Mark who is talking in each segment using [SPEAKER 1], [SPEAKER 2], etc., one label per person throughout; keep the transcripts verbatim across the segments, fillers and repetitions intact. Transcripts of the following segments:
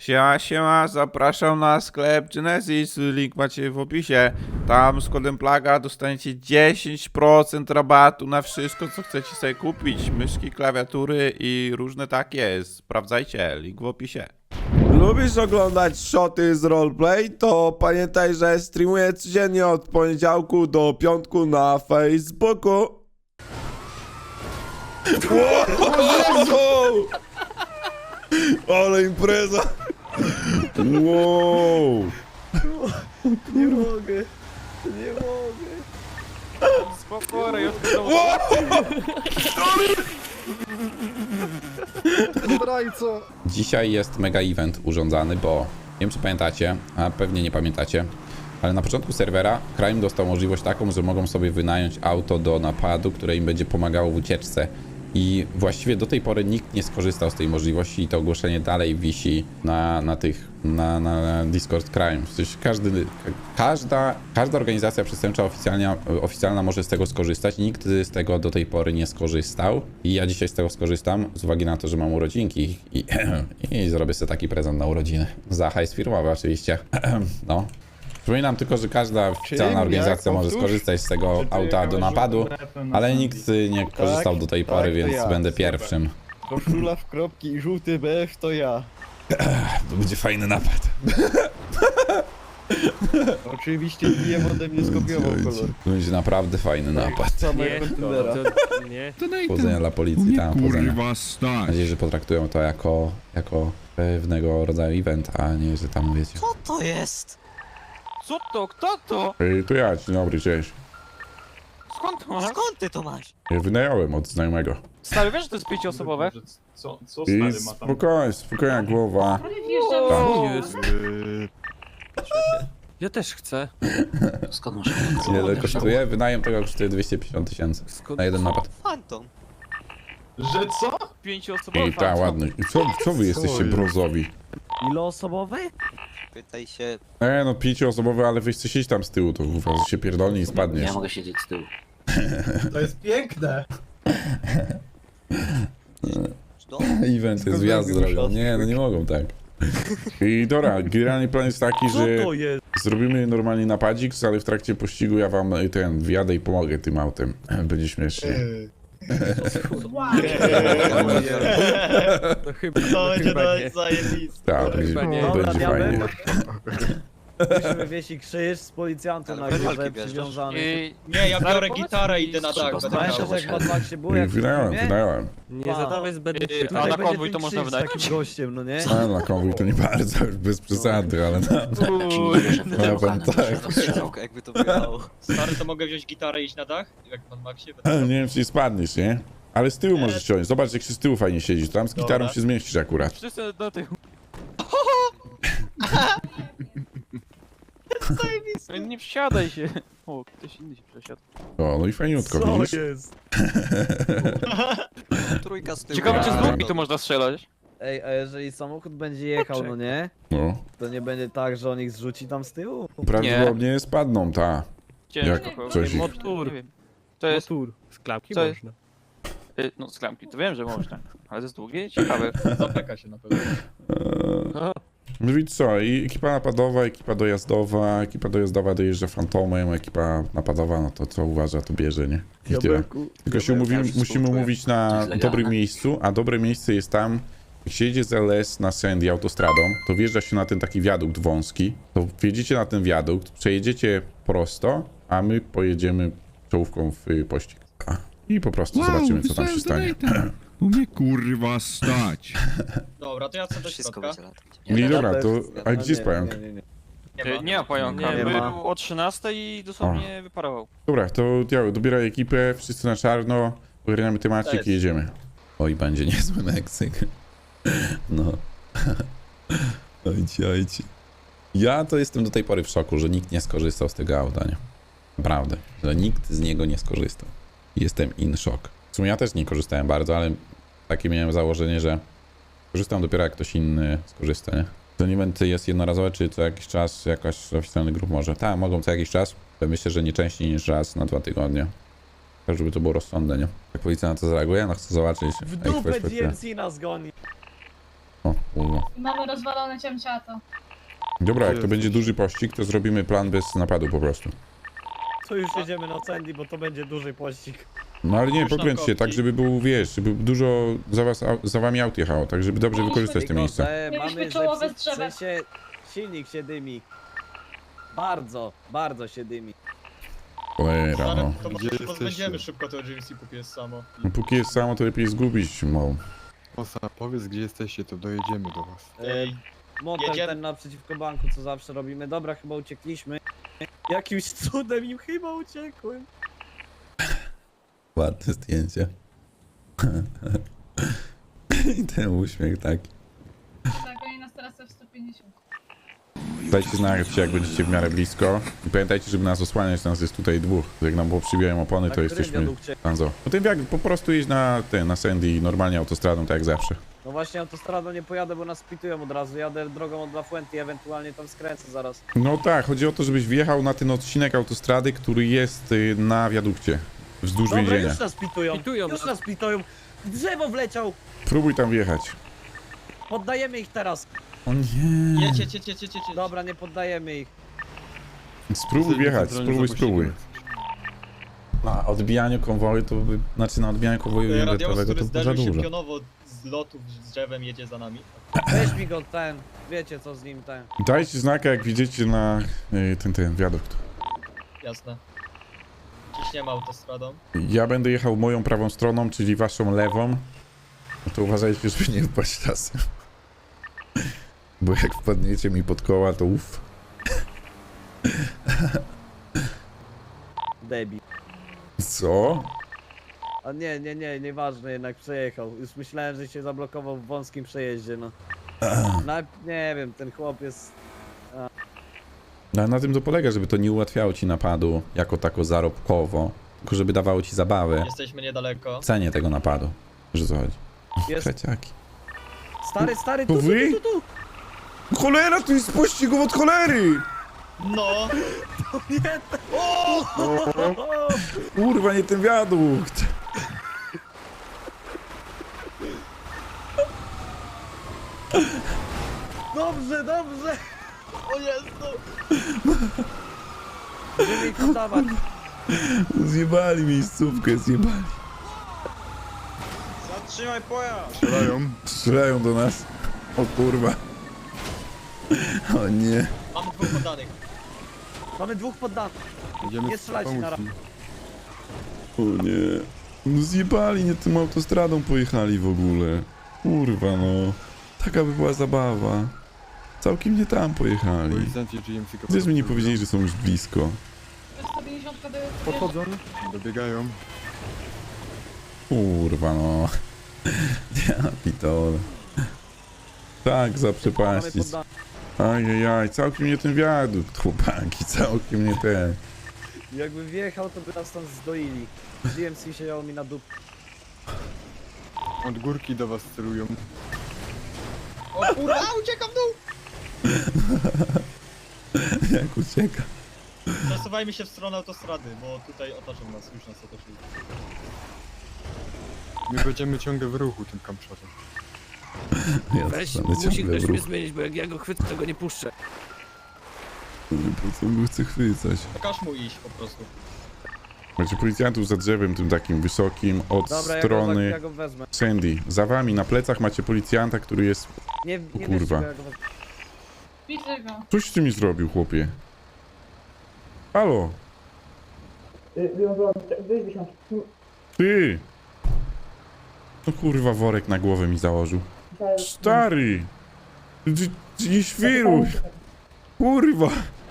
[SPEAKER 1] Siema, siema, zapraszam na sklep Genesis, link macie w opisie. Tam z kodem Plaga dostaniecie dziesięć procent rabatu na wszystko, co chcecie sobie kupić. Myszki, klawiatury i różne takie. Sprawdzajcie, link w opisie.
[SPEAKER 2] Lubisz oglądać shoty z roleplay? To pamiętaj, że streamuję codziennie od poniedziałku do piątku na Facebooku. Wow! Ale impreza! Wow!
[SPEAKER 3] Nie mogę, nie mogę.
[SPEAKER 4] Spokojnie, ja
[SPEAKER 3] Zdrajco.
[SPEAKER 5] Dzisiaj jest mega event urządzany, bo nie wiem czy pamiętacie, a pewnie nie pamiętacie, ale na początku serwera Crime dostał możliwość taką, że mogą sobie wynająć auto do napadu, które im będzie pomagało w ucieczce. I właściwie do tej pory nikt nie skorzystał z tej możliwości i to ogłoszenie dalej wisi na, na tych, na, na Discord Crime. W sensie każdy, każda, każda organizacja przestępcza oficjalna, oficjalna może z tego skorzystać. Nikt z tego do tej pory nie skorzystał. I ja dzisiaj z tego skorzystam z uwagi na to, że mam urodzinki i, i zrobię sobie taki prezent na urodziny. Za hajs firmowy oczywiście. No. Przypominam tylko, że każda oficjalna organizacja może skorzystać z tego auta do napadu, ale nikt nie korzystał do tej pory, więc będę pierwszym.
[SPEAKER 3] Koszula w kropki i żółty B F to ja.
[SPEAKER 5] To będzie fajny napad.
[SPEAKER 3] Oczywiście D M ode mnie skopiował kolor.
[SPEAKER 5] To będzie naprawdę fajny napad.
[SPEAKER 3] Samego kontenera.
[SPEAKER 4] nie.
[SPEAKER 5] Powodzenia dla policji, tam powodzenia.
[SPEAKER 6] Kurwa
[SPEAKER 5] Mam
[SPEAKER 6] stać.
[SPEAKER 5] nadzieję, że potraktują to jako, jako pewnego rodzaju event, a nie, że tam wiecie.
[SPEAKER 7] Co to jest?
[SPEAKER 4] Co to? Kto to?
[SPEAKER 5] Ej, to ja, dzień dobry, cześć.
[SPEAKER 4] Skąd to masz?
[SPEAKER 7] Skąd ty to masz?
[SPEAKER 5] Ja wynająłem od znajomego.
[SPEAKER 4] Stary, wiesz, że to jest pięcioosobowe?
[SPEAKER 8] Co, co
[SPEAKER 5] I
[SPEAKER 8] stary ma tam?
[SPEAKER 5] spokojnie, spokojna głowa.
[SPEAKER 4] Co jest?
[SPEAKER 6] Yy,
[SPEAKER 9] Ja też chcę.
[SPEAKER 7] Skąd masz?
[SPEAKER 5] Ile kosztuje? Wynajem tego kosztuje dwieście pięćdziesiąt tysięcy na jeden napad.
[SPEAKER 7] Fantom.
[SPEAKER 8] Że co?
[SPEAKER 4] Pięcioosobowe.
[SPEAKER 5] I ta, ładny. I co, co wy jesteście
[SPEAKER 6] jest?
[SPEAKER 5] brązowi?
[SPEAKER 3] Iloosobowy?
[SPEAKER 7] Pytaj się.
[SPEAKER 5] E, no pięcioosobowy, ale weź siedzieć tam z tyłu, to uważaj, się pierdolnie i spadniesz.
[SPEAKER 7] Ja mogę siedzieć z tyłu.
[SPEAKER 8] To jest piękne!
[SPEAKER 5] Event jest wjazd zrobią. Nie, no nie mogą tak. I dobra, generalny plan jest taki, że
[SPEAKER 3] jest?
[SPEAKER 5] zrobimy normalnie napadzik, ale w trakcie pościgu ja wam ten wjadę i pomogę tym autem. Będzie śmiesznie.
[SPEAKER 9] To chyba,
[SPEAKER 3] To
[SPEAKER 9] to
[SPEAKER 3] będzie
[SPEAKER 9] chyba
[SPEAKER 3] to
[SPEAKER 9] nie.
[SPEAKER 3] zajebiste.
[SPEAKER 5] Tak, będzie,
[SPEAKER 9] chyba nie.
[SPEAKER 5] będzie
[SPEAKER 3] Dobra,
[SPEAKER 5] fajnie.
[SPEAKER 3] Musimy wieść krzyż z policjantem na
[SPEAKER 7] Ale
[SPEAKER 3] górze
[SPEAKER 7] walki bierzesz.
[SPEAKER 3] przywiązany.
[SPEAKER 4] I...
[SPEAKER 8] Nie, ja biorę
[SPEAKER 4] powiedz
[SPEAKER 8] gitarę
[SPEAKER 4] mi,
[SPEAKER 8] i idę na
[SPEAKER 4] trzeba
[SPEAKER 8] dach.
[SPEAKER 7] znaleźć.
[SPEAKER 8] Będę
[SPEAKER 3] Pamiętasz
[SPEAKER 8] grał.
[SPEAKER 3] jak w Mad Maxie było?
[SPEAKER 5] I
[SPEAKER 3] Jak
[SPEAKER 5] wynająłem,
[SPEAKER 3] nie?
[SPEAKER 5] wynająłem.
[SPEAKER 9] Nie zadawaj zbędnych
[SPEAKER 4] Yy,
[SPEAKER 9] pytań.
[SPEAKER 4] a na
[SPEAKER 3] Tutaj będzie
[SPEAKER 4] konwój to
[SPEAKER 3] ten
[SPEAKER 4] można
[SPEAKER 3] krzyż z
[SPEAKER 4] wydać?
[SPEAKER 3] takim gościem, no nie?
[SPEAKER 5] A na konwój to nie bardzo, już bez przesady, ale no. Ja powiem tak.
[SPEAKER 7] Jakby to wyglądało.
[SPEAKER 8] Stary, to mogę wziąć gitarę i iść na dach? Jak pan Maxie?
[SPEAKER 5] Nie wiem, czy nie spadniesz, nie? Ale z tyłu możesz ciąć. Zobacz, jak się z tyłu fajnie siedzi. Tam z gitarą
[SPEAKER 8] Dobra.
[SPEAKER 5] się zmieścisz akurat.
[SPEAKER 4] Wszyscy do tych... Nie przesiadaj się. O, ktoś inny się przesiadł.
[SPEAKER 5] O, no i fajniutko,
[SPEAKER 3] Co
[SPEAKER 5] widzisz?
[SPEAKER 3] jest?
[SPEAKER 7] Trójka z tyłu.
[SPEAKER 4] Ciekawe, czy z
[SPEAKER 5] A.
[SPEAKER 4] długi to można strzelać.
[SPEAKER 3] Ej, a jeżeli samochód będzie jechał, no nie?
[SPEAKER 5] No.
[SPEAKER 3] To nie będzie tak, że on ich zrzuci tam z tyłu?
[SPEAKER 5] Prawdopodobnie spadną, ta.
[SPEAKER 4] Ciężko.
[SPEAKER 5] Jak
[SPEAKER 4] pewnie.
[SPEAKER 5] coś ich-
[SPEAKER 4] Motor. Nie wiem. To jest...
[SPEAKER 9] Motor. Z klapki
[SPEAKER 4] Co jest?
[SPEAKER 9] można.
[SPEAKER 4] y, No, z klamki, to wiem, że można. Ale ze z długiej? Ciekawe.
[SPEAKER 8] Zapeka się na pewno.
[SPEAKER 5] Eee, No i co? I ekipa napadowa, ekipa dojazdowa, ekipa dojazdowa dojeżdża fantomem, ekipa napadowa, no to co uważa, to bierze, nie? I tyle.
[SPEAKER 3] Diabełku.
[SPEAKER 5] Tylko się umówimy, musimy umówić na
[SPEAKER 7] legalne.
[SPEAKER 5] dobrym miejscu, a dobre miejsce jest tam, jak się jedzie z L S na Sandy autostradą, to wjeżdża się na ten taki wiadukt wąski, to wjedziecie na ten wiadukt, przejedziecie prosto, a my pojedziemy czołówką w y, pościg. I po prostu zobaczymy, co tam się stanie.
[SPEAKER 6] U mnie kurwa stać.
[SPEAKER 8] Dobra, to ja chcę do
[SPEAKER 7] Wszystko
[SPEAKER 8] środka.
[SPEAKER 7] będzie latać.
[SPEAKER 5] No i dobra, to... A
[SPEAKER 3] No
[SPEAKER 5] gdzie jest
[SPEAKER 3] nie,
[SPEAKER 5] pająk?
[SPEAKER 3] nie, nie, nie.
[SPEAKER 8] Nie
[SPEAKER 4] Y,
[SPEAKER 8] ma.
[SPEAKER 4] Nie ma pająka.
[SPEAKER 3] Nie
[SPEAKER 4] Był
[SPEAKER 3] ma.
[SPEAKER 4] o trzynastej i dosłownie wyparował.
[SPEAKER 5] Dobra, to ja dobieraj ekipę, wszyscy na czarno, ogarniamy temacik
[SPEAKER 8] Cześć.
[SPEAKER 5] i jedziemy. Oj, będzie niezły Meksyk. No. Ojci, ojci. Ja to jestem do tej pory w szoku, że nikt nie skorzystał z tego auta, nie? Naprawdę, że nikt z niego nie skorzystał. Jestem in shock. W sumie ja też nie korzystałem bardzo, ale takie miałem założenie, że korzystam dopiero jak ktoś inny skorzysta, nie? To event jest jednorazowe, czy co jakiś czas jakaś oficjalny grup może? Tak, mogą co jakiś czas. Myślę, że nie częściej niż raz na dwa tygodnie. Tak, żeby to było rozsądne, nie? Jak policja na to zareaguje, no chcę zobaczyć.
[SPEAKER 3] W
[SPEAKER 5] ich
[SPEAKER 3] dupę
[SPEAKER 5] perspektywę.
[SPEAKER 3] G M C nas goni.
[SPEAKER 5] O, kurwa.
[SPEAKER 10] Mamy rozwalone ciemciato.
[SPEAKER 5] Dobra, jak to będzie duży pościg, to zrobimy plan bez napadu po prostu.
[SPEAKER 3] To już jedziemy na Sandy, bo to będzie duży pościg.
[SPEAKER 5] No ale nie,
[SPEAKER 8] Już na
[SPEAKER 5] pokręć się
[SPEAKER 8] kopci.
[SPEAKER 5] tak, żeby był, wiesz, żeby dużo za, was, au- za wami aut jechało, tak żeby dobrze wykorzystać te miejsca.
[SPEAKER 3] Proszę,
[SPEAKER 10] Mieliśmy
[SPEAKER 3] mamy
[SPEAKER 10] czołowe
[SPEAKER 3] zepsu- w
[SPEAKER 10] drzewa.
[SPEAKER 3] sensie silnik się dymi. Bardzo, bardzo się dymi.
[SPEAKER 5] Cholera,
[SPEAKER 8] Stary,
[SPEAKER 5] no.
[SPEAKER 8] to
[SPEAKER 6] Gdzie
[SPEAKER 8] może
[SPEAKER 6] jesteście?
[SPEAKER 8] pozbędziemy szybko tego G M C, póki jest samo.
[SPEAKER 5] No póki jest samo, to lepiej zgubić, mo.
[SPEAKER 6] Osa, powiedz gdzie jesteście, to dojedziemy do was.
[SPEAKER 8] Ej,
[SPEAKER 3] Motel
[SPEAKER 8] Jedziemy.
[SPEAKER 3] ten naprzeciwko banku, co zawsze robimy. Dobra, chyba uciekliśmy. Jakimś cudem im chyba uciekłem.
[SPEAKER 5] Ładne zdjęcie. I ten uśmiech taki.
[SPEAKER 10] Tak, oni nas teraz w sto pięćdziesiąt.
[SPEAKER 5] Dajcie znać, jak będziecie w miarę blisko. I pamiętajcie, żeby nas osłaniać, nas jest tutaj dwóch. Jak nam poprzybijają opony,
[SPEAKER 3] Na
[SPEAKER 5] to
[SPEAKER 3] którym
[SPEAKER 5] jesteśmy...
[SPEAKER 3] wiadukcie?
[SPEAKER 5] Tanzo. No tym jak po prostu jeźdź na ten, na Sandy, normalnie autostradą, tak jak zawsze.
[SPEAKER 3] No właśnie autostradą nie pojadę, bo nas pitują od razu. Jadę drogą od La Fuente, ewentualnie tam skręcę zaraz.
[SPEAKER 5] No tak, chodzi o to, żebyś wjechał na ten odcinek autostrady, który jest y, na wiadukcie. Wzdłuż
[SPEAKER 3] Dobra,
[SPEAKER 5] więzienia.
[SPEAKER 3] już nas pitują.
[SPEAKER 9] Pitują
[SPEAKER 3] Już
[SPEAKER 9] nas.
[SPEAKER 3] nas pitują. W drzewo wleciał.
[SPEAKER 5] Próbuj tam wjechać.
[SPEAKER 3] Poddajemy ich teraz.
[SPEAKER 5] O nie.
[SPEAKER 8] jedź, jedź, jedź, jedź, jedź, jedź.
[SPEAKER 3] Dobra, nie poddajemy ich.
[SPEAKER 5] Spróbuj wjechać,
[SPEAKER 6] Centralnie
[SPEAKER 5] spróbuj,
[SPEAKER 6] zapuścimy.
[SPEAKER 5] spróbuj. Na odbijaniu konwoju to, by- znaczy na odbijaniu konwoju
[SPEAKER 8] Radios,
[SPEAKER 5] inwertowego
[SPEAKER 8] który
[SPEAKER 5] to za
[SPEAKER 8] zderzył się
[SPEAKER 5] dużo.
[SPEAKER 8] pionowo z lotów z drzewem, jedzie za nami.
[SPEAKER 3] Weź mi go ten. Wiecie co z nim ten.
[SPEAKER 5] Dajcie znaka, jak widzicie na y, ten, ten wiadukt.
[SPEAKER 8] Jasne. Ciśniemy autostradą.
[SPEAKER 5] Ja będę jechał moją prawą stroną, czyli waszą lewą. No to uważajcie, żeby nie wpaść czasem. Bo jak wpadniecie mi pod koła, to uff.
[SPEAKER 3] Debil.
[SPEAKER 5] Co?
[SPEAKER 3] A nie, nie, nie, nieważne, jednak przejechał. Już myślałem, że się zablokował w wąskim przejeździe, no. No, nie wiem, ten chłop jest...
[SPEAKER 5] No, na tym to polega, żeby to nie ułatwiało ci napadu jako tako zarobkowo, tylko żeby dawało ci zabawę
[SPEAKER 8] Jesteśmy niedaleko.
[SPEAKER 5] w cenie tego napadu. Że co chodzi?
[SPEAKER 3] jest...
[SPEAKER 5] Kreciaki.
[SPEAKER 3] Stary, stary,
[SPEAKER 5] To
[SPEAKER 3] tu, tu,
[SPEAKER 5] wy?
[SPEAKER 3] tu, tu, tu.
[SPEAKER 5] Cholera, tu jest pościg od cholery!
[SPEAKER 8] No!
[SPEAKER 3] Nie,
[SPEAKER 5] Kurwa, nie ten wiadukt!
[SPEAKER 3] dobrze, dobrze. O Jezu. Będziemy ich poddawać.
[SPEAKER 5] Zjebali miejscówkę, zjebali.
[SPEAKER 7] Zatrzymaj pojazd!
[SPEAKER 6] Strzelają.
[SPEAKER 5] Strzelają do nas. O kurwa. O nie.
[SPEAKER 8] Mamy dwóch poddanych.
[SPEAKER 3] Mamy dwóch poddanych.
[SPEAKER 6] Jedziemy
[SPEAKER 3] Nie strzelajcie na
[SPEAKER 6] pomóc im.
[SPEAKER 5] O nie. No zjebali, nie tym autostradą pojechali w ogóle. Kurwa no. Taka by była zabawa. Całkiem nie tam pojechali.
[SPEAKER 6] Policjanci G M C
[SPEAKER 5] Gdzież mi nie powiedzieli, że są już blisko.
[SPEAKER 10] sto pięćdziesiąt do...
[SPEAKER 6] Podchodzą, dobiegają.
[SPEAKER 5] Kurwa no. Ja pitole. Tak,
[SPEAKER 3] Mamy
[SPEAKER 5] zaprzepaścić.
[SPEAKER 3] poddanych.
[SPEAKER 5] Ajajaj, całkiem nie ten wiadukt, chłopaki, całkiem nie ten.
[SPEAKER 3] Jakby wjechał, to by nas tam zdoili. G M C siedziało mi na dupie.
[SPEAKER 6] Od górki do was celują.
[SPEAKER 8] O kurwa, uciekam w dół!
[SPEAKER 5] Jak ucieka.
[SPEAKER 8] Przesuwajmy się w stronę autostrady, bo tutaj otoczą nas, już nas otoczyli.
[SPEAKER 6] My będziemy ciągle w ruchu tym kamprzatem.
[SPEAKER 5] Ja
[SPEAKER 9] Weź,
[SPEAKER 5] zostanę
[SPEAKER 9] musi
[SPEAKER 5] ciągle
[SPEAKER 9] ktoś
[SPEAKER 5] w
[SPEAKER 9] mnie
[SPEAKER 5] ruchu.
[SPEAKER 9] zmienić, bo jak ja go chwycę, to go nie puszczę.
[SPEAKER 5] Po co go chce chwycać?
[SPEAKER 8] Każ mu iść po prostu.
[SPEAKER 5] Macie policjantów za drzewem tym takim wysokim od
[SPEAKER 3] Dobra, ja go,
[SPEAKER 5] strony
[SPEAKER 3] ja go wezmę.
[SPEAKER 5] Sandy. Za wami na plecach macie policjanta, który jest...
[SPEAKER 3] Nie, nie
[SPEAKER 5] kurwa.
[SPEAKER 3] wiecie, go, ja go wezmę.
[SPEAKER 10] Widzę go.
[SPEAKER 5] Coś ty mi zrobił, chłopie. Halo? Ty! No kurwa, worek na głowę mi założył. Stary! Ty- ty Nie świruj! Kurwa!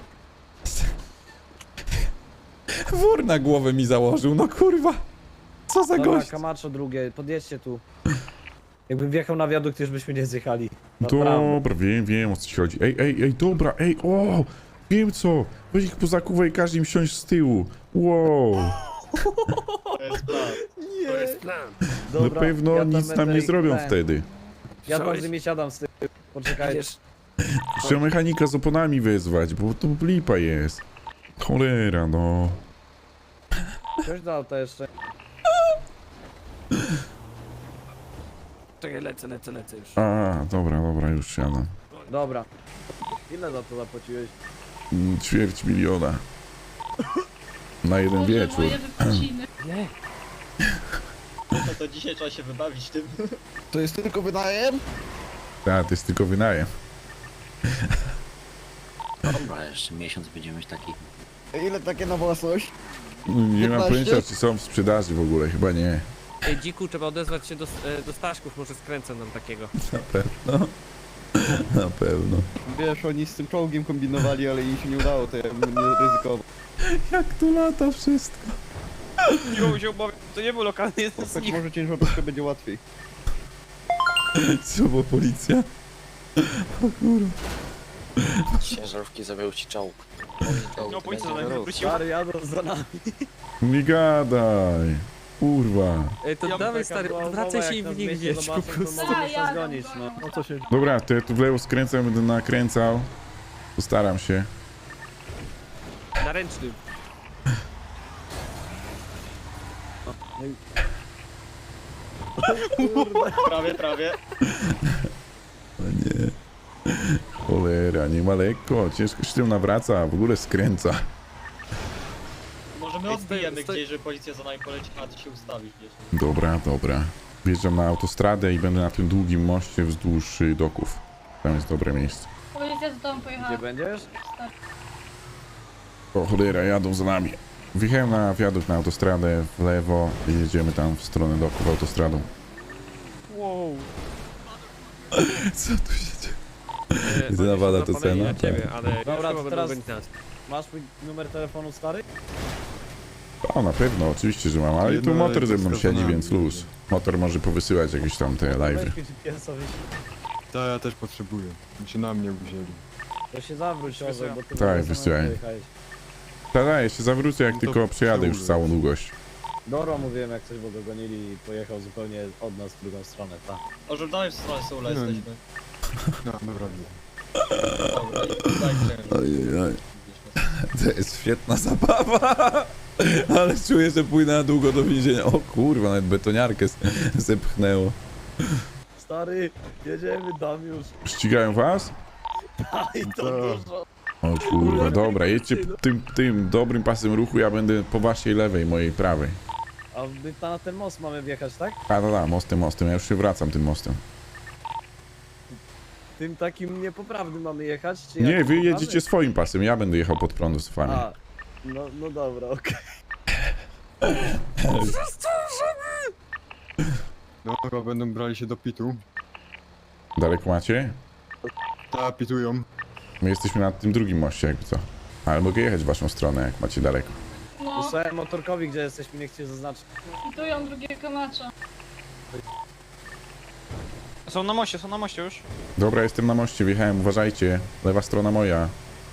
[SPEAKER 5] Wór na głowę mi założył, no kurwa! Co za
[SPEAKER 3] Dobra,
[SPEAKER 5] gość?
[SPEAKER 3] Camacho drugie, podjedźcie tu. Jakbym wjechał na wiadukt, już byśmy nie zjechali. Naprawdę.
[SPEAKER 5] Dobra, wiem, wiem o co ci chodzi. Ej, ej, ej, dobra, ej, o! Wiem co! Weź ich pozakuwaj i każ im siąść z tyłu. Wow!
[SPEAKER 8] To jest plan.
[SPEAKER 9] To jest plan.
[SPEAKER 5] Na
[SPEAKER 3] Dobra,
[SPEAKER 5] pewno
[SPEAKER 3] ja tam
[SPEAKER 5] nic nam
[SPEAKER 3] będę
[SPEAKER 5] nie
[SPEAKER 3] ich
[SPEAKER 5] zrobią
[SPEAKER 3] ten-
[SPEAKER 5] wtedy.
[SPEAKER 3] Ja tam
[SPEAKER 9] Słyszałeś?
[SPEAKER 3] z nimi siadam z tyłu. Poczekajcie.
[SPEAKER 9] Wiesz,
[SPEAKER 5] Trzeba mechanika z oponami wezwać, bo to lipa jest. Cholera, no.
[SPEAKER 3] Coś do auta jeszcze.
[SPEAKER 9] Czekaj, lecę, lecę, lecę już.
[SPEAKER 1] A, dobra, dobra, już siadam.
[SPEAKER 3] Dobra. Ile za to zapłaciłeś?
[SPEAKER 1] Mm, Ćwierć miliona. Na jeden
[SPEAKER 10] Boże,
[SPEAKER 1] wieczór.
[SPEAKER 10] moje wypociny.
[SPEAKER 9] Nie.
[SPEAKER 8] No to dzisiaj trzeba się wybawić tym.
[SPEAKER 7] To jest tylko wynajem?
[SPEAKER 1] Tak, to jest tylko wynajem.
[SPEAKER 7] Dobra, jeszcze miesiąc będziemy mieć taki. Ile takie na własność?
[SPEAKER 1] Nie mam
[SPEAKER 7] piętnaście?
[SPEAKER 1] pojęcia, czy są w sprzedaży w ogóle, chyba nie.
[SPEAKER 9] Ej, dziku, trzeba odezwać się do, e, do Staszków, może skręcę nam takiego.
[SPEAKER 1] Na pewno. Na pewno.
[SPEAKER 7] Wiesz, oni z tym czołgiem kombinowali, ale im się nie udało, to ja bym nie ryzykował.
[SPEAKER 1] Jak tu lata wszystko.
[SPEAKER 4] Miło się obawiam, to nie był lokalny, jeden z
[SPEAKER 7] Tak
[SPEAKER 4] nich.
[SPEAKER 7] może ciężarówkę będzie łatwiej.
[SPEAKER 1] Co, bo policja? O kurwa.
[SPEAKER 7] Ciężarówki zabił ci czołg.
[SPEAKER 4] No policja za nami wróciła.
[SPEAKER 3] Stary, jadą za nami.
[SPEAKER 1] Nie gadaj. Kurwa.
[SPEAKER 9] Ej, to
[SPEAKER 4] Ja
[SPEAKER 9] dawaj
[SPEAKER 3] Taka
[SPEAKER 9] stary,
[SPEAKER 3] była
[SPEAKER 9] odwracaj
[SPEAKER 3] umowa,
[SPEAKER 9] się i
[SPEAKER 3] jak nas
[SPEAKER 9] w nich
[SPEAKER 3] będzie
[SPEAKER 9] wjeść po
[SPEAKER 3] zobaczą, to
[SPEAKER 9] prostu.
[SPEAKER 3] możemy
[SPEAKER 10] A,
[SPEAKER 3] się
[SPEAKER 10] jadą,
[SPEAKER 3] zgonić, no.
[SPEAKER 10] jadą.
[SPEAKER 3] No co się...
[SPEAKER 1] Dobra, to ja tu w lewo skręcam, będę nakręcał. Postaram się.
[SPEAKER 9] Na ręcznym.
[SPEAKER 8] Prawie, prawie.
[SPEAKER 1] O nie. Cholera, nie ma lekko. Ciężko się tym nawraca, a w ogóle skręca.
[SPEAKER 8] Może my
[SPEAKER 9] Ej,
[SPEAKER 8] odbijemy
[SPEAKER 9] stoi- stoi-
[SPEAKER 8] gdzieś, żeby policja za nami poleci, a ty się ustawisz gdzieś.
[SPEAKER 1] Dobra, dobra. Wjeżdżam na autostradę i będę na tym długim moście wzdłuż y, doków. Tam jest dobre miejsce.
[SPEAKER 10] Policja z domu pojechała.
[SPEAKER 3] Gdzie będziesz?
[SPEAKER 1] O cholera, jadą za nami. Wjechałem na wiadukt na autostradę w lewo i jedziemy tam w stronę doków autostradą.
[SPEAKER 4] Wow.
[SPEAKER 1] Co tu się dzieje?
[SPEAKER 9] E,
[SPEAKER 1] Jedyna
[SPEAKER 9] oni
[SPEAKER 1] wada
[SPEAKER 9] są
[SPEAKER 1] to
[SPEAKER 9] zapaleni
[SPEAKER 1] cena,
[SPEAKER 9] na ciebie,
[SPEAKER 1] tak.
[SPEAKER 9] ale
[SPEAKER 3] Dobra,
[SPEAKER 9] chyba
[SPEAKER 3] to
[SPEAKER 9] będą
[SPEAKER 3] teraz-
[SPEAKER 9] gonić nas.
[SPEAKER 3] Masz mój numer telefonu, stary?
[SPEAKER 1] O, na pewno, oczywiście, że mam, ale i tu
[SPEAKER 6] Jedno
[SPEAKER 1] motor ze mną
[SPEAKER 6] jest
[SPEAKER 1] siedzi,
[SPEAKER 6] wskazane.
[SPEAKER 1] więc luz. Motor może powysyłać jakieś tam te live'y.
[SPEAKER 3] Weź G P S-owi.
[SPEAKER 6] Ta ja też potrzebuję. Mi się na mnie wzięli.
[SPEAKER 3] To się zawróć, Orzeł, bo ty
[SPEAKER 1] Tak,
[SPEAKER 3] w ogóle
[SPEAKER 1] wysyłaj.
[SPEAKER 3] samemu pojechałeś.
[SPEAKER 1] Tak, ja się zawrócę, jak
[SPEAKER 6] No to
[SPEAKER 1] tylko przejadę już
[SPEAKER 6] przełóż.
[SPEAKER 1] całą długość.
[SPEAKER 3] Doro mówiłem jak coś, bo go gonili i pojechał zupełnie od nas w drugą stronę, tak.
[SPEAKER 8] Ożądamy w stronę Soula
[SPEAKER 6] No.
[SPEAKER 8] jesteśmy.
[SPEAKER 6] No, dobra, widzę.
[SPEAKER 8] Dobra, i tak chciałem.
[SPEAKER 1] Ojej, to jest świetna zabawa. Ale czuję, że pójdę na długo do więzienia. O kurwa, nawet betoniarkę s- zepchnęło.
[SPEAKER 3] Stary, jedziemy, dam już.
[SPEAKER 1] Ścigają was?
[SPEAKER 3] Aj, to
[SPEAKER 6] To-
[SPEAKER 3] dużo.
[SPEAKER 1] O kurwa, dobra, jedźcie tym, tym dobrym pasem ruchu, ja będę po waszej lewej, mojej prawej.
[SPEAKER 3] A my ta- na ten most mamy wjechać, tak?
[SPEAKER 1] A, no, no, mostem, mostem, ja już się wracam tym mostem.
[SPEAKER 3] Tym takim niepoprawnym mamy jechać? Czy
[SPEAKER 1] Nie,
[SPEAKER 3] jak
[SPEAKER 1] wy
[SPEAKER 3] poprawny?
[SPEAKER 1] jedziecie swoim pasem, ja będę jechał pod prąd z wami.
[SPEAKER 3] A, no, no dobra, okej.
[SPEAKER 6] No, chyba będą brali się do pitu.
[SPEAKER 1] Daleko macie?
[SPEAKER 6] Ta, pitują.
[SPEAKER 1] My jesteśmy na tym drugim moście, jakby co. Ale mogę jechać w waszą stronę, jak macie daleko.
[SPEAKER 10] No,
[SPEAKER 3] Wysłałem motorkowi, gdzie jesteśmy, nie chcecie zaznaczyć.
[SPEAKER 10] hitują drugiego macza.
[SPEAKER 4] Są na moście, są na moście już.
[SPEAKER 1] Dobra, jestem na moście, wjechałem, uważajcie. Lewa strona moja.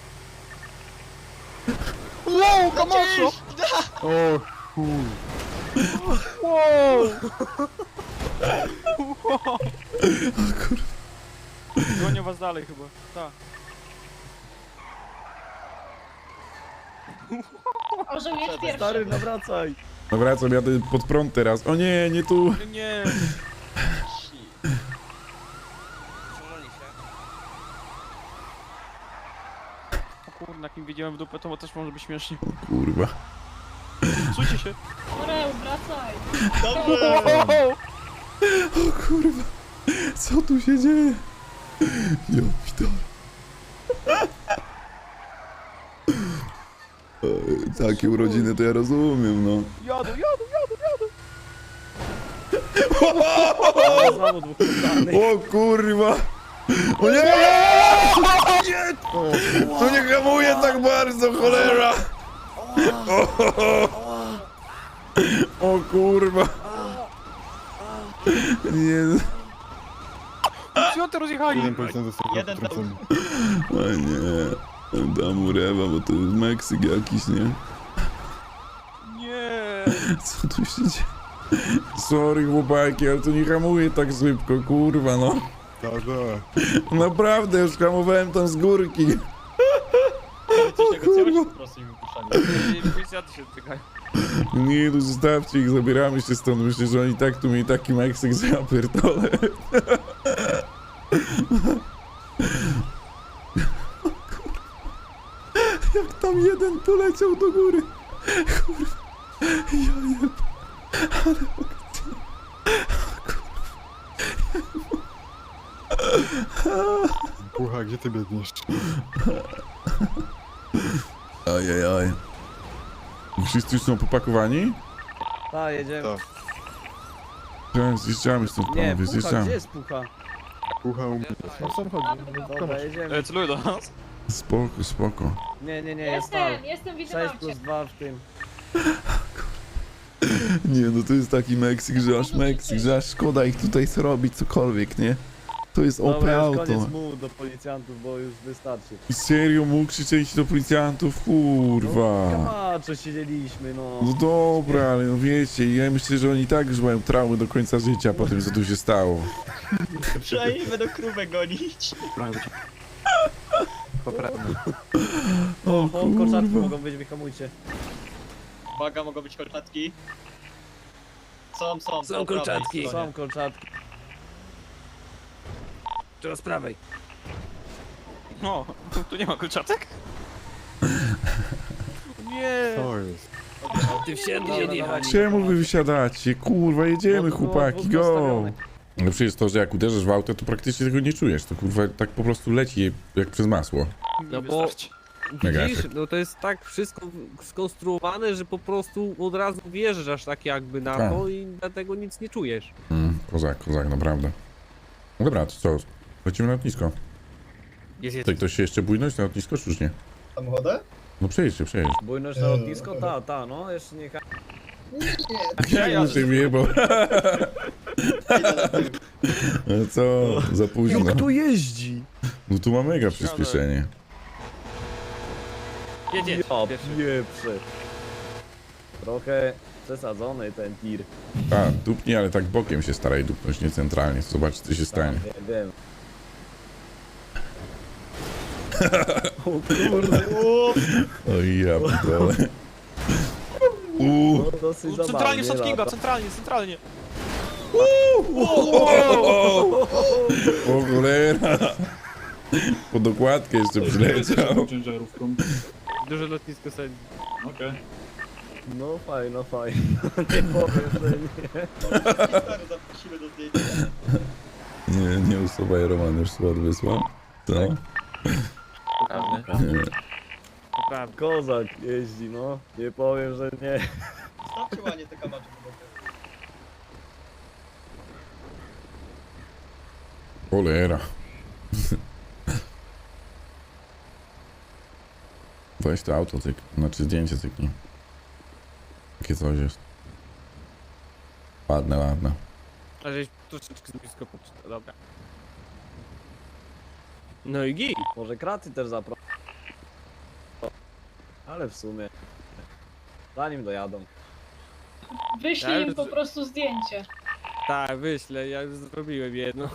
[SPEAKER 4] Wow, Camacho!
[SPEAKER 6] O, chuj.
[SPEAKER 4] Wow! Gonię was dalej chyba, tak.
[SPEAKER 10] Orzeł jest pierwszy.
[SPEAKER 3] Stary, nawracaj.
[SPEAKER 1] No wracam, jadę pod prąd teraz. O nie, nie tu.
[SPEAKER 4] Nie, nie. O kurna, jak im wiedziałem w dupę, to też może być śmiesznie.
[SPEAKER 1] Kurwa.
[SPEAKER 4] Słuchajcie się.
[SPEAKER 10] Orzeł, wracaj.
[SPEAKER 8] Dobrze!
[SPEAKER 1] O kurwa. Co tu się dzieje? Jo, pitole. Ej, takie urodziny to ja rozumiem, no.
[SPEAKER 4] Jadą, jadą, jadą, jadą.
[SPEAKER 3] O, znowu dwóch poddanych.
[SPEAKER 1] O kurwa. O nie! Nie! To nie hamuje tak bardzo, cholera! O, o kurwa. Nie.
[SPEAKER 4] Co ty rozjechali?
[SPEAKER 6] Jeden policjant został
[SPEAKER 8] Jeden tam-
[SPEAKER 6] wtrącony.
[SPEAKER 1] O nie. Dam mu rewa, bo to jest Meksyk jakiś, nie?
[SPEAKER 4] Nie.
[SPEAKER 1] Co tu się dzieje? Sorry chłopaki, ale to nie hamuje tak szybko, kurwa no.
[SPEAKER 6] Ta, ta.
[SPEAKER 1] Naprawdę, już hamowałem tam z górki.
[SPEAKER 8] Coś negocjować po prostu i wypuszczanie.
[SPEAKER 4] Policjanty się dotykają.
[SPEAKER 5] Nie, no zostawcie ich, zabieramy się stąd. Myślę, że oni tak tu mieli taki Meksyk, że ja pierdolę. Jak tam jeden poleciał do góry. Kurwa. Ja jeb... Ale akcja.
[SPEAKER 6] Pucha, gdzie ty biegniesz?
[SPEAKER 5] Ajajaj. Wszyscy już są popakowani?
[SPEAKER 3] Tak, jedziemy.
[SPEAKER 6] Tak.
[SPEAKER 5] Tak, zjeżdżamy stąd,
[SPEAKER 3] Nie,
[SPEAKER 5] panowie,
[SPEAKER 3] pucha,
[SPEAKER 5] zjeżdżamy.
[SPEAKER 3] gdzie jest pucha?
[SPEAKER 6] Pucha u mnie.
[SPEAKER 3] Dobra, jedziemy.
[SPEAKER 4] E, celuję do nas.
[SPEAKER 5] Spoko, spoko.
[SPEAKER 3] Nie, nie, nie, jest tam.
[SPEAKER 10] Jestem, jestem, widzę
[SPEAKER 3] sześć
[SPEAKER 10] babcię.
[SPEAKER 3] plus dwa w tym.
[SPEAKER 5] Nie, no to jest taki Meksyk, że aż Meksyk, że aż szkoda ich tutaj zrobić cokolwiek, nie? To jest O P
[SPEAKER 3] Dobra, już
[SPEAKER 5] auto.
[SPEAKER 3] koniec mu do policjantów, bo już wystarczy.
[SPEAKER 5] Serio mógł krzyczeć do policjantów? Kurwa.
[SPEAKER 3] Kamacze siedzieliśmy, no.
[SPEAKER 5] No dobra, ale no wiecie, ja myślę, że oni tak już mają traumy do końca życia po tym, co tu się stało.
[SPEAKER 8] Przynajmniej będą krówę gonić.
[SPEAKER 5] O
[SPEAKER 3] O, kolczatki
[SPEAKER 5] kurwa.
[SPEAKER 3] mogą być, wyhamujcie.
[SPEAKER 8] Uwaga, mogą być kolczatki. Są, są. po
[SPEAKER 9] Są
[SPEAKER 8] prawej
[SPEAKER 9] kolczatki.
[SPEAKER 8] stronie.
[SPEAKER 3] Są kolczatki.
[SPEAKER 9] Teraz prawej.
[SPEAKER 4] No, tu, tu nie ma kolczatek? Nie.
[SPEAKER 6] Co jest?
[SPEAKER 9] Ty wsiadł
[SPEAKER 3] Dobra,
[SPEAKER 9] nie jechali.
[SPEAKER 5] Czemu wy wysiadacie? Kurwa, jedziemy,
[SPEAKER 3] No, no,
[SPEAKER 5] chłopaki,
[SPEAKER 3] dwóch
[SPEAKER 5] go!
[SPEAKER 3] postawionych.
[SPEAKER 5] No przecież to, że jak uderzysz w auto, to praktycznie tego nie czujesz. To kurwa tak po prostu leci jak przez masło.
[SPEAKER 9] No
[SPEAKER 4] Nie
[SPEAKER 9] bo
[SPEAKER 4] wystarczy.
[SPEAKER 5] Mega
[SPEAKER 9] widzisz,
[SPEAKER 5] efekt.
[SPEAKER 9] no to jest tak wszystko skonstruowane, że po prostu od razu wjeżdżasz tak jakby na
[SPEAKER 5] Tak.
[SPEAKER 9] to i dlatego nic nie czujesz.
[SPEAKER 5] Mm, kozak, kozak, naprawdę. No dobra, to co? Lecimy na lotnisko.
[SPEAKER 9] Jest, jest.
[SPEAKER 5] Tutaj ktoś się jeszcze bójność na lotnisko, czy już nie?
[SPEAKER 8] Samochodę?
[SPEAKER 5] No przejdźcie, przejdź.
[SPEAKER 3] Bójność na lotnisko? Ta, ta, no, jeszcze nie.
[SPEAKER 5] Ja ja się wyjebał. No co, za późno.
[SPEAKER 3] jeździ?
[SPEAKER 5] No tu ma mega przyspieszenie.
[SPEAKER 9] Jedzie.
[SPEAKER 3] Ja
[SPEAKER 9] Pierwszy.
[SPEAKER 3] pieprze. Trochę przesadzony ten tir.
[SPEAKER 5] A, dupnij, ale tak bokiem się staraj dupnąć, nie centralnie. Zobacz, co się stanie.
[SPEAKER 3] Tak, wiem, wiem. O kurde,
[SPEAKER 5] Oj, ja pitole. Uuu.
[SPEAKER 3] no dosyć
[SPEAKER 4] Centralnie
[SPEAKER 3] zabawnie
[SPEAKER 4] Shot Kinga,
[SPEAKER 3] lata.
[SPEAKER 4] centralnie, centralnie.
[SPEAKER 5] O cholera. Po dokładkę jeszcze przyleciał.
[SPEAKER 11] ciężarówką.
[SPEAKER 9] Duże lotnisko sobie.
[SPEAKER 11] Okej.
[SPEAKER 3] No fajno, fajno. Nie powiem, że nie.
[SPEAKER 8] Stary, zaprosimy do zdjęcia.
[SPEAKER 5] Nie, nie usuwaj, Roman już słod wysłał. Co?
[SPEAKER 4] Prawda.
[SPEAKER 5] Nie.
[SPEAKER 9] Prawda.
[SPEAKER 3] Kozak jeździ, no. Nie powiem, że nie.
[SPEAKER 8] Stawcie ładnie te kamacze.
[SPEAKER 5] Cholera. Weź to auto, cyk. Znaczy zdjęcie cyknij. Takie coś jest. Ładne, ładne.
[SPEAKER 9] A żeś troszeczkę z blisko poczytał, dobra. No i git.
[SPEAKER 3] Może kraty też zapro. Ale w sumie. Zanim dojadą.
[SPEAKER 10] Wyślij im
[SPEAKER 9] Ale-
[SPEAKER 10] po prostu zdjęcie.
[SPEAKER 9] Tak, wyślę, ja już zrobiłem jedno.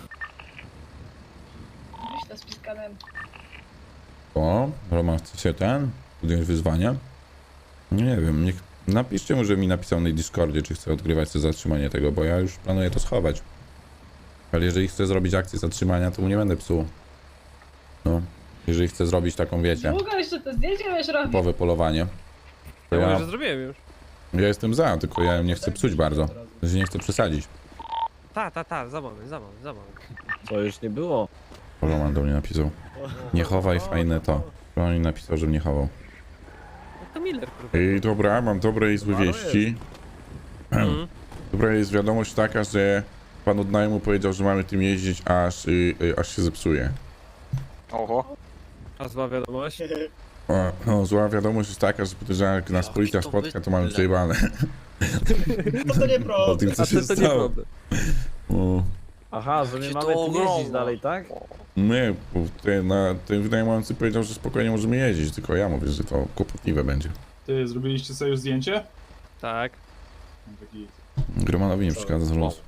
[SPEAKER 10] Wyślę z piskanem.
[SPEAKER 5] O, Roman chce się ten? Podjąć wyzwanie? Nie wiem, niech... Napiszcie mu, że mi napisał na Discordzie, czy chce odgrywać to zatrzymanie tego, bo ja już planuję to schować. Ale jeżeli chce zrobić akcję zatrzymania, to mu nie będę psuł. No, jeżeli chce zrobić taką, wiecie,
[SPEAKER 10] Długo jeszcze to zdjęcie będziesz robić.
[SPEAKER 5] typowe polowanie, to
[SPEAKER 9] Ja
[SPEAKER 5] ja,
[SPEAKER 9] mówię, że zrobiłem już.
[SPEAKER 5] ja jestem za, tylko ja nie chcę psuć bardzo. Że nie chcę przesadzić.
[SPEAKER 9] Ta, ta, ta, za moment, za moment, za moment.
[SPEAKER 3] Co już nie było.
[SPEAKER 5] Roman do mnie napisał. Nie chowaj fajne to. Roman mi napisał, żebym nie chował.
[SPEAKER 9] No to Miller, kurwa.
[SPEAKER 5] I dobra, mam dobre i złe
[SPEAKER 3] Ale
[SPEAKER 5] wieści.
[SPEAKER 9] Mhm.
[SPEAKER 5] Dobra jest wiadomość taka, że pan od najmu powiedział, że mamy tym jeździć, aż, y, y, aż się zepsuje.
[SPEAKER 4] Oho.
[SPEAKER 9] A zła wiadomość.
[SPEAKER 5] O, no, zła wiadomość jest taka, że podejrzewam, jak nas policja spotka, to mamy przejebane.
[SPEAKER 8] No to nie
[SPEAKER 5] O
[SPEAKER 8] problem.
[SPEAKER 5] tym, co
[SPEAKER 9] A
[SPEAKER 5] się
[SPEAKER 9] to, to nie
[SPEAKER 5] stało.
[SPEAKER 9] problem.
[SPEAKER 5] O,
[SPEAKER 3] Aha, że my
[SPEAKER 4] Jakie
[SPEAKER 3] mamy
[SPEAKER 4] to
[SPEAKER 3] tu jeździć
[SPEAKER 4] ogromne.
[SPEAKER 3] dalej, tak?
[SPEAKER 5] nie, bo ten, na, ten wynajmujący powiedział, że spokojnie możemy jeździć, tylko ja mówię, że to kłopotliwe będzie.
[SPEAKER 11] Ty, zrobiliście sobie już zdjęcie?
[SPEAKER 9] Tak.
[SPEAKER 11] Taki...
[SPEAKER 5] Gromanowi nie przeszkadza z losu.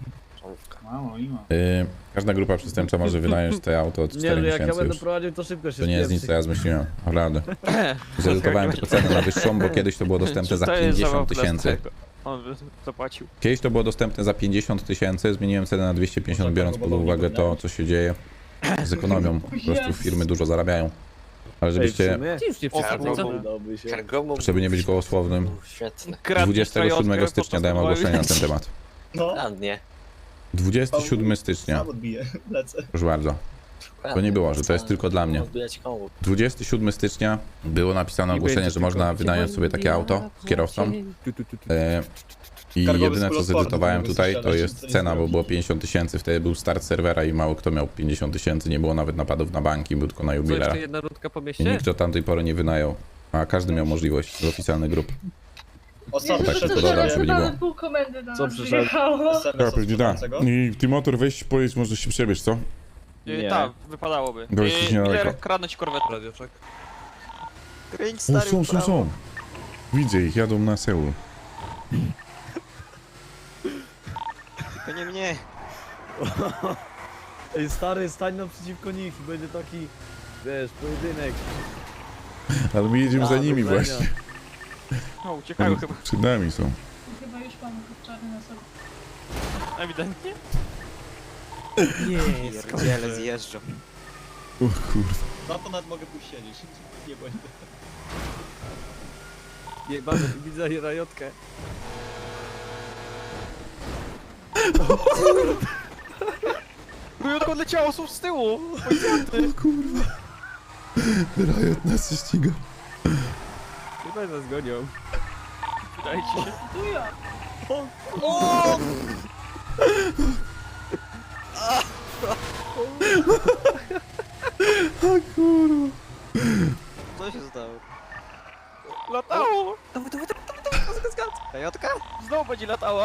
[SPEAKER 5] Yy, każda grupa przestępcza może wynająć te auto od
[SPEAKER 3] Nie,
[SPEAKER 5] czterech
[SPEAKER 3] no jak ja
[SPEAKER 5] miesięcy
[SPEAKER 3] będę
[SPEAKER 5] już.
[SPEAKER 3] prowadził, to szybko się
[SPEAKER 5] To nie jest nic, co ja zmyśliłem, naprawdę. Zredukowałem tylko cenę na wyższą, bo kiedyś to było dostępne za
[SPEAKER 4] To jest
[SPEAKER 5] pięćdziesiąt
[SPEAKER 4] zabawa
[SPEAKER 5] tysięcy.
[SPEAKER 4] dla On by zapłacił.
[SPEAKER 5] Kiedyś to było dostępne za pięćdziesiąt tysięcy, zmieniłem cenę na dwieście pięćdziesiąt, biorąc pod uwagę to, co się dzieje z ekonomią. Po prostu firmy dużo zarabiają. Ale żebyście,
[SPEAKER 9] Ty już nie przeszkadza, co?
[SPEAKER 3] Udałby się.
[SPEAKER 11] Świetne.
[SPEAKER 5] żeby nie być gołosłownym,
[SPEAKER 11] Świetne.
[SPEAKER 5] dwudziestego siódmego stycznia dałem ogłoszenie na ten temat.
[SPEAKER 8] No,
[SPEAKER 11] Ładnie.
[SPEAKER 5] dwudziestego siódmego stycznia,
[SPEAKER 8] sam odbiję, lecę.
[SPEAKER 5] proszę bardzo. To nie było, że to jest tylko dla mnie.
[SPEAKER 11] Odbijać komu.
[SPEAKER 5] dwudziestego siódmego stycznia było napisane
[SPEAKER 9] Nie
[SPEAKER 5] ogłoszenie,
[SPEAKER 9] będzie
[SPEAKER 5] że
[SPEAKER 9] tylko-
[SPEAKER 5] można wynająć sobie takie auto kierowcom.
[SPEAKER 9] Tu, tu, tu, tu.
[SPEAKER 5] E, I
[SPEAKER 8] Kargowy
[SPEAKER 5] jedyne co
[SPEAKER 8] skulotworny,
[SPEAKER 5] zedytowałem
[SPEAKER 8] to
[SPEAKER 5] tutaj
[SPEAKER 8] mogę
[SPEAKER 5] to
[SPEAKER 8] coś
[SPEAKER 5] jest
[SPEAKER 8] strzelać,
[SPEAKER 5] cena,
[SPEAKER 8] nic
[SPEAKER 5] bo
[SPEAKER 8] nie
[SPEAKER 5] było
[SPEAKER 8] zrobić.
[SPEAKER 5] pięćdziesiąt tysięcy, wtedy był start serwera i mało kto miał pięćdziesiąt tysięcy, nie było nawet napadów na banki, był tylko na
[SPEAKER 9] Co,
[SPEAKER 5] jubilera.
[SPEAKER 9] jeszcze jedna rundka po
[SPEAKER 5] I
[SPEAKER 9] mieście?
[SPEAKER 5] nikt do tamtej pory nie wynajął, a każdy miał możliwość z oficjalnych grup.
[SPEAKER 8] Ostatnio
[SPEAKER 5] Tak,
[SPEAKER 8] przyszedł
[SPEAKER 5] tylko dodam,
[SPEAKER 8] do
[SPEAKER 5] żeby nie
[SPEAKER 8] ciebie
[SPEAKER 5] było.
[SPEAKER 10] Pół komendy do
[SPEAKER 3] Co
[SPEAKER 10] nas
[SPEAKER 3] przyszedł?
[SPEAKER 10] wyjechało.
[SPEAKER 8] S M S od sprzedającego.
[SPEAKER 2] I ty motor weź, pojedź, może się przebierz, co?
[SPEAKER 3] Nie.
[SPEAKER 4] Tak, wypadałoby.
[SPEAKER 5] Dobra, jesteś niedaleko.
[SPEAKER 4] Miller, kradnąć korwetę. Radioczek. Kręć
[SPEAKER 2] O,
[SPEAKER 4] stary
[SPEAKER 2] są, są,
[SPEAKER 4] prawo.
[SPEAKER 2] są. Widzę ich, jadą na Seul.
[SPEAKER 4] Tylko nie mnie.
[SPEAKER 3] Ej, stary, stań naprzeciwko nich i będzie taki, wiesz, pojedynek.
[SPEAKER 2] Ale my jedziemy za
[SPEAKER 3] A,
[SPEAKER 2] nimi
[SPEAKER 3] do widzenia.
[SPEAKER 2] właśnie.
[SPEAKER 4] No, uciekają chyba.
[SPEAKER 2] Przed nami są.
[SPEAKER 10] Chyba już mamy kurczarny na sobie.
[SPEAKER 4] Ewidentnie.
[SPEAKER 9] Nie,
[SPEAKER 4] Pierdziele zjeżdżą.
[SPEAKER 2] O kurwa.
[SPEAKER 8] Za to nawet mogę pójść siedzieć. Nie będę.
[SPEAKER 9] jebany, widzę rajotkę.
[SPEAKER 4] Rujotko odleciało, są z tyłu.
[SPEAKER 2] O kurwa. Riot nas się ściga.
[SPEAKER 9] Chyba nas gonią.
[SPEAKER 4] Dajcie się.
[SPEAKER 10] Tuja!
[SPEAKER 2] O kurwa.
[SPEAKER 4] Co się stało? Latało! Dawaj, dawaj, dawaj, dawaj, dawaj, dawaj, Rajotka? Znowu będzie latała.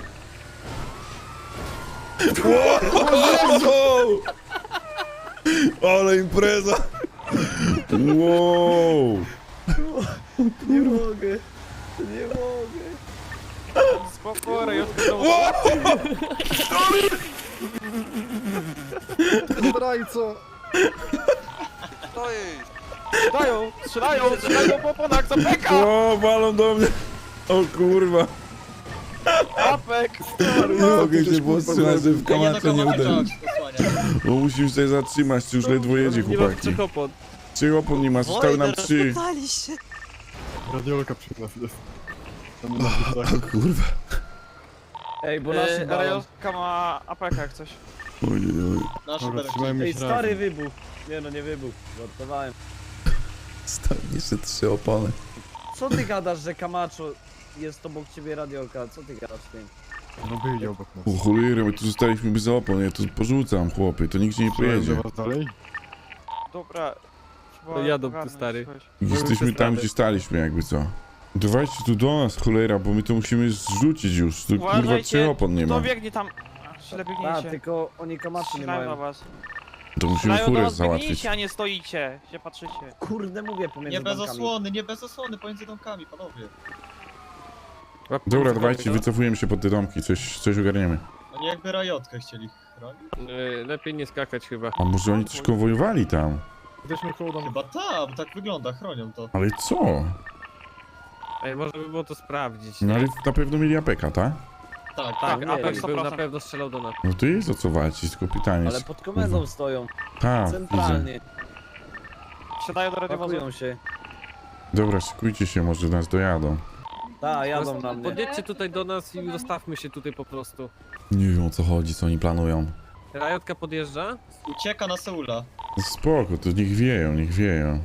[SPEAKER 2] Jezu! Ale impreza! Wow!
[SPEAKER 3] Nie mogę, nie mogę.
[SPEAKER 4] Spoko, Rajotka znowu.
[SPEAKER 7] Zdrajco!
[SPEAKER 4] Stoi! Strzelają, strzelają, strzelają po oponach, zapeka!
[SPEAKER 2] O, walą do mnie! O kurwa!
[SPEAKER 4] Apek!
[SPEAKER 2] Nie mogę się powstrzymać, że w
[SPEAKER 8] Ja nie
[SPEAKER 2] kamacze nie
[SPEAKER 8] dokonałem
[SPEAKER 2] uderzyć.
[SPEAKER 8] posłania.
[SPEAKER 2] Bo musisz się zatrzymać, już ledwo jedzie,
[SPEAKER 9] Nie mam
[SPEAKER 2] chłopaki.
[SPEAKER 9] trzech opon.
[SPEAKER 2] Trzy opon nie ma, zostały nam trzy.
[SPEAKER 6] Radiolka przy nas jest. Tam na plecach.
[SPEAKER 2] O kurwa.
[SPEAKER 3] Ej, bo nasz
[SPEAKER 4] Yy,
[SPEAKER 3] balon.
[SPEAKER 4] Rajotka ma apeka jak coś.
[SPEAKER 2] Oj, oj, oj.
[SPEAKER 8] Nasz
[SPEAKER 6] Dobra,
[SPEAKER 8] berek.
[SPEAKER 6] trzymajmy
[SPEAKER 3] Ej,
[SPEAKER 6] się
[SPEAKER 3] stary
[SPEAKER 6] razem.
[SPEAKER 3] wybuch. Nie no, nie wybuch, żartowałem.
[SPEAKER 2] Stał jeszcze trzy opony.
[SPEAKER 3] Co ty gadasz, że Camacho jest obok ciebie radiolka? Co ty gadasz z tym?
[SPEAKER 6] No wyjdzie obok nas.
[SPEAKER 2] O cholera, my tu zostaliśmy bez opon, ja tu porzucam, chłopie, to nigdzie nie
[SPEAKER 6] Strzelałem
[SPEAKER 2] pojedzie.
[SPEAKER 6] do was dalej?
[SPEAKER 4] Dobra.
[SPEAKER 9] To jadą tu, stary.
[SPEAKER 2] Jesteśmy tam, gdzie staliśmy, jakby co. Dawajcie tu do nas, cholera, bo my to musimy zrzucić już. Tu kurwa
[SPEAKER 4] Uważajcie,
[SPEAKER 2] trzech opon nie ma.
[SPEAKER 4] To biegnie tam. Źle
[SPEAKER 3] A,
[SPEAKER 4] biegniecie.
[SPEAKER 3] tylko oni Camacho nie
[SPEAKER 4] Strzelają na
[SPEAKER 3] mają.
[SPEAKER 4] was.
[SPEAKER 2] To musimy
[SPEAKER 4] Strzelają do
[SPEAKER 2] furę
[SPEAKER 4] was,
[SPEAKER 2] załatwić.
[SPEAKER 4] biegnijcie, a nie stoicie. Się patrzycie.
[SPEAKER 3] Kurde, mówię pomiędzy
[SPEAKER 8] Nie bez
[SPEAKER 3] bankami.
[SPEAKER 8] osłony, nie bez osłony, pomiędzy domkami, panowie.
[SPEAKER 2] Dobra, dawajcie, wycofujemy się pod te domki, coś, coś ogarniemy.
[SPEAKER 8] Oni jakby rajotkę chcieli chronić.
[SPEAKER 9] Yy, lepiej nie skakać chyba.
[SPEAKER 2] A może oni coś konwojowali tam?
[SPEAKER 6] Jesteśmy koło domu.
[SPEAKER 8] Chyba tak, bo tak wygląda, chronią to.
[SPEAKER 2] Ale co?
[SPEAKER 9] Ej, można by było to sprawdzić.
[SPEAKER 2] No
[SPEAKER 9] nie?
[SPEAKER 2] ale na pewno mieli apeka, tak?
[SPEAKER 8] Tak,
[SPEAKER 4] Tak,
[SPEAKER 3] nie,
[SPEAKER 4] apek
[SPEAKER 3] nie,
[SPEAKER 9] Był
[SPEAKER 4] sto
[SPEAKER 9] na
[SPEAKER 4] procent.
[SPEAKER 9] pewno strzelał do nas.
[SPEAKER 2] No to jest o co walczyć, tylko pytanie
[SPEAKER 3] Ale
[SPEAKER 2] jest...
[SPEAKER 3] pod komendą stoją,
[SPEAKER 2] Tak, widzę.
[SPEAKER 3] centralnie.
[SPEAKER 4] Wsiadają do radiowozu.
[SPEAKER 3] Pakują się.
[SPEAKER 2] Dobra, szykujcie się, może nas dojadą.
[SPEAKER 3] Tak, jadą na mnie.
[SPEAKER 9] Podjedźcie tutaj do nas i zostawmy się tutaj po prostu.
[SPEAKER 2] Nie wiem o co chodzi, co oni planują.
[SPEAKER 9] Rajotka podjeżdża?
[SPEAKER 8] ucieka na Seula.
[SPEAKER 2] No spoko, to niech wieją, niech wieją.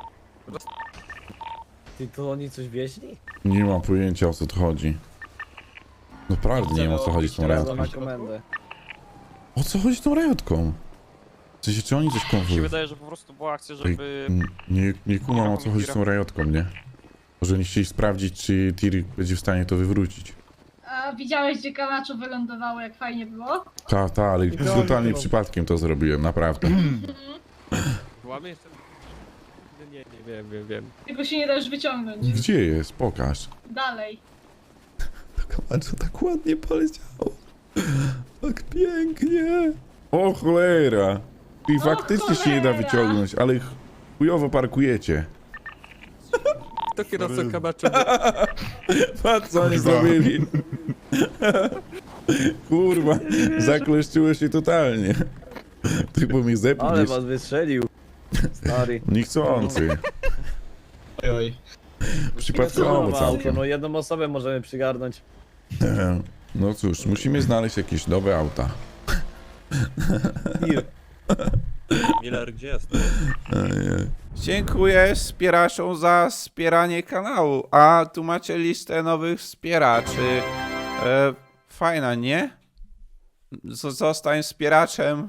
[SPEAKER 3] Ty, to oni coś wieźli?
[SPEAKER 2] Nie mam pojęcia o co tu chodzi. Naprawdę nie wiem o co chodzi z tą
[SPEAKER 3] Jadą
[SPEAKER 2] rejotką.
[SPEAKER 3] na komendę.
[SPEAKER 2] O co chodzi z tą rejotką? W sensie, czy oni coś
[SPEAKER 4] Mi się
[SPEAKER 2] konwują?
[SPEAKER 4] wydaje, że po prostu była akcja, żeby...
[SPEAKER 2] Nie, nie kumam o co chodzi z tą rejotką, nie? Może oni chcieli sprawdzić, czy Tiri będzie w stanie to wywrócić.
[SPEAKER 10] A widziałeś, gdzie Camacho wylądowało, jak fajnie było?
[SPEAKER 2] Ta, ta, ale totalnie przypadkiem to zrobiłem, naprawdę.
[SPEAKER 9] Łamy jeszcze? Nie, nie, nie wiem, wiem, wiem.
[SPEAKER 10] Tylko się nie da już wyciągnąć.
[SPEAKER 2] Gdzie jest? Pokaż.
[SPEAKER 10] Dalej.
[SPEAKER 2] To Camacho tak ładnie poleciało.
[SPEAKER 5] Tak pięknie. O cholera. I faktycznie się nie da
[SPEAKER 10] cholera.
[SPEAKER 5] wyciągnąć, ale ch- chujowo parkujecie.
[SPEAKER 9] To kierowca kabaczowy.
[SPEAKER 5] Patrz co oni zrobili. Kurwa, zakleszczyło się totalnie. Ty bo mnie
[SPEAKER 3] Ale
[SPEAKER 5] zepniesz.
[SPEAKER 3] was wystrzelił. Stary.
[SPEAKER 5] Niechcący.
[SPEAKER 8] Oj, oj.
[SPEAKER 5] Przypadkowo
[SPEAKER 3] Auto,
[SPEAKER 5] całkiem.
[SPEAKER 3] no jedną osobę możemy przygarnąć.
[SPEAKER 5] No cóż, musimy znaleźć jakieś nowe auta.
[SPEAKER 9] Miller, gdzie jest?
[SPEAKER 1] Dziękuję wspieraczom za wspieranie kanału. A tu macie listę nowych wspieraczy. E, fajna, nie? Z- Zostań wspieraczem